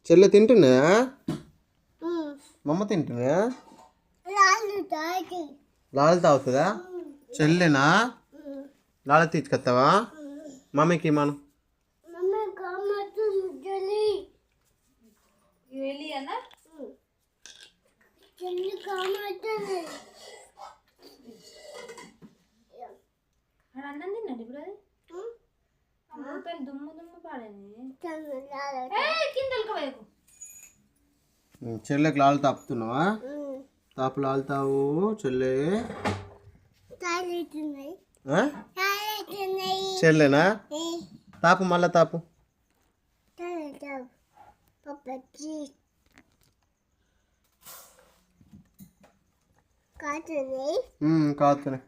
చెల్లె తింటున్నా మమ్మ తింటున్నా లాలు తాగుతుందా చెల్లెనా లాలు తీసుకొస్తావా మమ్మీకి మనం అన్నం తిన్నాడు ఇప్పుడు అది దుమ్ము దుమ్ము పాడైంది చెల్లెకి లాలు తాపుతున్నావా తాపు లాలు తావు చెల్లె చెల్లెనా తాపు మళ్ళా తాపు కాతున్నాయి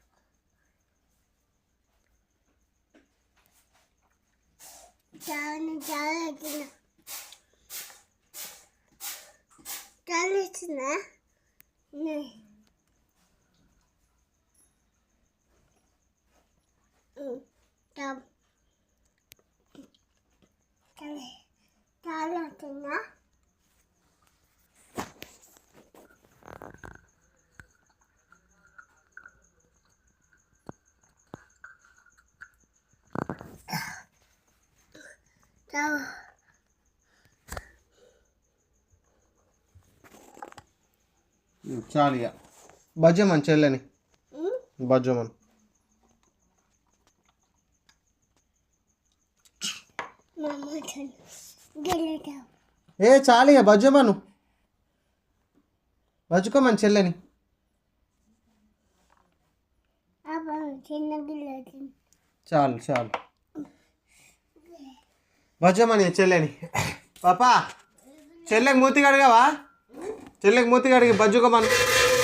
చాలు ఇక బజ్జమని చెల్లెని బజ్జమని ఏ చాలు ఇక బజ్జమను బజ్జుకోమని చెల్లెని చాలు చాలు బజ్జమని చెల్లెని పాపా చెల్లెకి మూతి కడిగావా చెల్లెకి మూతి కడిగి బజ్జుకోమను